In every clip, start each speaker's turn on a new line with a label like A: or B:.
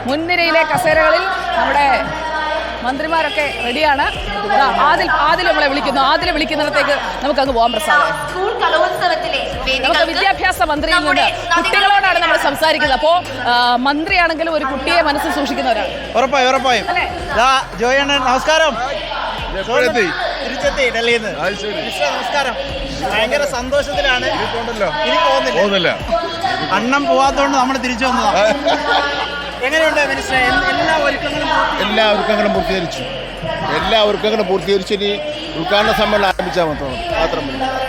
A: മുൻനിരയിലെ കസേരകളിൽ നമ്മുടെ മന്ത്രിമാരൊക്കെ റെഡിയാണ്. ആദിൽ നമ്മളെ വിളിക്കുന്നു. ആദിലെ വിളിക്കുന്നിടത്തേക്ക് നമുക്കങ്ങ് പോകാൻ പ്രസാദം. നമുക്ക് വിദ്യാഭ്യാസ മന്ത്രിയിൽ നിന്ന് കുട്ടികളോടാണ് നമ്മൾ സംസാരിക്കുന്നത്. അപ്പോൾ മന്ത്രിയാണെങ്കിലും ഒരു കുട്ടിയെ മനസ്സിൽ സൂക്ഷിക്കുന്നവരാണ്.
B: ഉറപ്പായും ജോയണ്ണൻ നമസ്കാരം. തിരിച്ചെത്തി ഡൽഹിയിൽ നിന്ന്. നമസ്കാരം. ഭയങ്കര സന്തോഷത്തിലാണ്. ഇനി പോകുന്നില്ല. അണ്ണം പോവാത്തോണ്ട് നമ്മൾ തിരിച്ചു വന്നതാണ്. എങ്ങനെയുണ്ട് മിനിസ്റ്റർ?
C: എല്ലാ ഒരുക്കങ്ങളും പൂർത്തീകരിച്ചു. ഇനി ഉദ്ഘാടന സമ്മേളനം ആരംഭിച്ചാൽ മാത്രം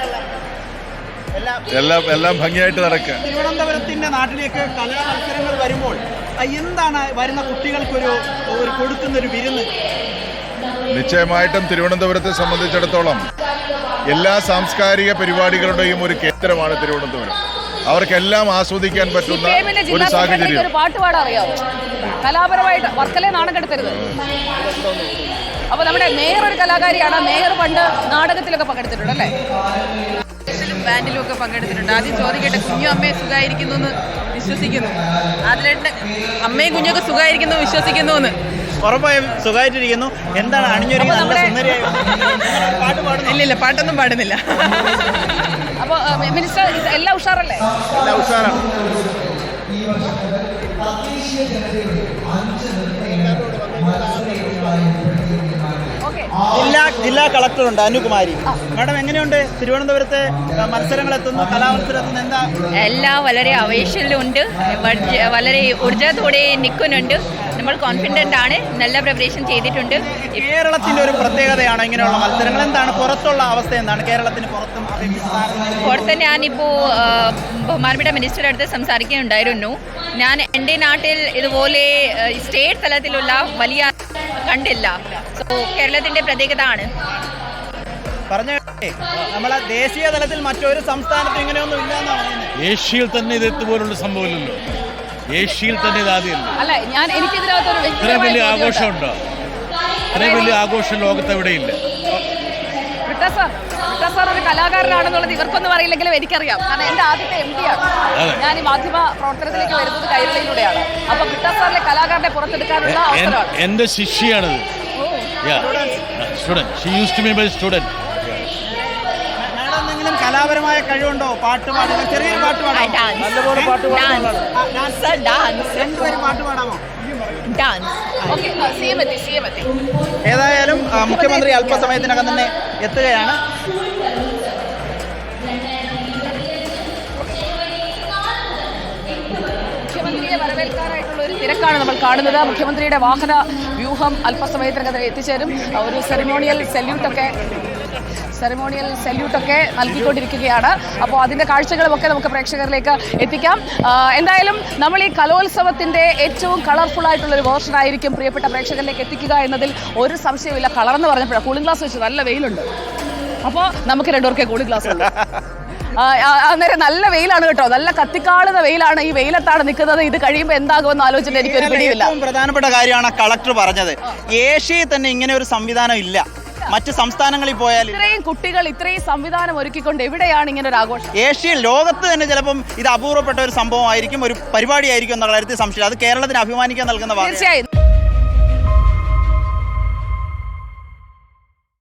D: എല്ലാം ഭംഗിയായിട്ട് നടക്കുക.
B: തിരുവനന്തപുരത്തിന്റെ നാട്ടിലേക്ക് കലാ മത്സരങ്ങൾ വരുമ്പോൾ എന്താണ് വരുന്ന കുട്ടികൾക്ക് ഒരു കൊടുക്കുന്ന ഒരു വിരുന്ന്?
D: നിശ്ചയമായിട്ടും തിരുവനന്തപുരത്തെ സംബന്ധിച്ചിടത്തോളം എല്ലാ സാംസ്കാരിക പരിപാടികളുടെയും ഒരു കേന്ദ്രമാണ് തിരുവനന്തപുരം. അവർക്കെല്ലാം ആസ്വദിക്കാൻ പറ്റുന്ന ഒരു സാഹചര്യം.
A: ഒരു പാട്ട് പാടാൻ അറിയാമോ? കലാപരമായിട്ട് വർക്കലെ നാണം കെടുത്തരുത്. അപ്പൊ നമ്മുടെ മേയർ ഒരു കലാകാരിയാണ്. മേയർ പണ്ട് നാടകത്തിലൊക്കെ പങ്കെടുത്തിട്ടുണ്ട് അല്ലേ? ബാൻഡിലും ഒക്കെ പങ്കെടുത്തിട്ടുണ്ട്. ആദ്യം ചോദിക്കട്ടെ, കുഞ്ഞു അമ്മയെ സുഖമായിരിക്കുന്നു എന്ന് വിശ്വസിക്കുന്നു. അതിലേട്ട് അമ്മയും കുഞ്ഞൊക്കെ സുഖമായിരിക്കുന്നു വിശ്വസിക്കുന്നു എന്ന്.
B: ഉറപ്പായും സുഖമായിട്ടിരിക്കുന്നു. എന്താണ് അണിഞ്ഞൊരുങ്ങി?
A: ഇല്ല, പാട്ടൊന്നും പാടുന്നില്ല. അപ്പൊ മിനിസ്റ്റർ എല്ലാം ഉഷാറല്ലേ?
D: എല്ലാം ഉഷാറാണ്.
B: ജില്ലാ കളക്ടറുണ്ട് അനുകുമാരി. മാഡം, എങ്ങനെയുണ്ട് തിരുവനന്തപുരത്തെ മത്സരങ്ങൾ എത്തുന്നു? കലാമത്സരം എത്തുന്നു? എന്താ?
E: എല്ലാം വളരെ ആവേശത്തിലുണ്ട്. വളരെ ഊർജ്ജത്തോടെ നിൽക്കുന്നുണ്ട്. നമ്മൾ കോൺഫിഡൻ്റ് ആണ്. നല്ല പ്രിപ്പറേഷൻ ചെയ്തിട്ടുണ്ട്.
B: കേരളത്തിന്റെ ഒരു പ്രത്യേകതയാണ് ഇങ്ങനെയുള്ള മത്സരങ്ങൾ. എന്താണ് പുറത്തുള്ള അവസ്ഥ? എന്താണ് കേരളത്തിന് പുറത്ത്
E: ഞാനിപ്പോൾ ബഹുമാനപ്പെട്ട മിനിസ്റ്ററുടെ അടുത്ത് സംസാരിക്കുന്നുണ്ടായിരുന്നു. ഞാൻ എൻ്റെ നാട്ടിൽ ഇതുപോലെ സ്റ്റേറ്റ് തലത്തിലുള്ള വലിയ കണ്ടില്ല. സോ കേരളത്തിന്റെ പ്രത്യേകത ആണ്.
B: നമ്മളെ ദേശീയ തലത്തിൽ മറ്റൊരു സംസ്ഥാനത്തും ഇങ്ങനെയൊന്നും ഇല്ലെന്നാണ് പറയുന്നത്.
C: ഏഷ്യയിൽ തന്നെ ഇതുപോലുള്ള സംഭവമില്ലല്ലോ. ഏഷ്യയിൽ തന്നെ ഇതാദ്യമല്ല.
A: ഇത്രയും
C: വലിയ ആഘോഷമുണ്ടോ? ഇത്രയും വലിയ ആഘോഷം ലോകത്ത് എവിടെയില്ല.
A: സാർ ഒരു കലാകാരനാണെന്നുള്ളത് ഇവർക്കൊന്നും അറിയില്ലെങ്കിലും എനിക്കറിയാം. കാരണം എന്റെ ആദ്യത്തെ MD ആണ്. ഞാൻ ഈ മാധ്യമ പ്രവർത്തനത്തിലേക്ക് വരുന്നത് കൈരളിയിലൂടെയാണ്. അപ്പൊ കിട്ടാ സാറിലെ കലാകാരനെ പുറത്തെടുക്കാനുള്ള അവസരമാണ്.
C: എന്റെ ശിഷ്യയാണത്.
B: എന്തെങ്കിലും കലാപരമായ കഴിവുണ്ടോ? പാട്ട് പാടുക, ചെറിയൊരു പാട്ട് പാടാം. നല്ലപോലെ പാട്ട് പാടാമോ? ഏതായാലും മുഖ്യമന്ത്രി അല്പസമയത്തിനകം തന്നെ എത്തുകയാണ്.
A: മുഖ്യമന്ത്രിയെ വരവേൽക്കാനായിട്ടുള്ള ഒരു തിരക്കാണ് നമ്മൾ കാണുന്നത്. മുഖ്യമന്ത്രിയുടെ വാഹന വ്യൂഹം അല്പസമയത്തിനകം എത്തിച്ചേരും. ഒരു സെറിമോണിയൽ സല്യൂട്ടൊക്കെ നൽകിക്കൊണ്ടിരിക്കുകയാണ്. അപ്പോൾ അതിൻ്റെ കാഴ്ചകളുമൊക്കെ നമുക്ക് പ്രേക്ഷകരിലേക്ക് എത്തിക്കാം. എന്തായാലും നമ്മൾ ഈ കലോത്സവത്തിൻ്റെ ഏറ്റവും കളർഫുൾ ആയിട്ടുള്ളൊരു വേർഷൻ ആയിരിക്കും പ്രിയപ്പെട്ട പ്രേക്ഷകരിലേക്ക് എത്തിക്കുക എന്നതിൽ ഒരു സംശയമില്ല. കളറെന്ന് പറഞ്ഞപ്പോഴാണ് കൂളിംഗ് ഗ്ലാസ് വെച്ച് നല്ല വെയിലുണ്ട്. അപ്പോൾ നമുക്ക് രണ്ടുപേർക്കേ കൂളിംഗ് ഗ്ലാസ് ഉണ്ട്. അന്നേരം നല്ല വെയിലാണ് കേട്ടോ. നല്ല കത്തിക്കാളുന്ന വെയിലാണ്. ഈ വെയിലത്താണ് നിൽക്കുന്നത്. ഇത് കഴിയുമ്പോൾ എന്താകുമെന്ന് ആലോചിച്ചിട്ട് എനിക്കൊരു പിടിയില്ല.
B: പ്രധാനപ്പെട്ട കാര്യമാണ് കളക്ടർ പറഞ്ഞത്. ഏഷ്യയിൽ തന്നെ ഇങ്ങനെ ഒരു സംവിധാനം ഇല്ല. മറ്റ് സംസ്ഥാനങ്ങളിൽ പോയാൽ
A: ഇത്രയും കുട്ടികൾ ഇത്രയും സംവിധാനം ഒരുക്കിക്കൊണ്ട് എവിടെയാണ് ഇങ്ങനെ ഒരു ആഘോഷം?
B: ഏഷ്യയിൽ, ലോകത്ത് തന്നെ ചിലപ്പം ഇത് അപൂർവപ്പെട്ട ഒരു സംഭവമായിരിക്കും, ഒരു പരിപാടിയായിരിക്കും എന്നുള്ള കാര്യത്തിൽ സംശയം. അത് കേരളത്തിന് അഭിമാനിക്കാൻ നൽകുന്ന
A: തീർച്ചയായും.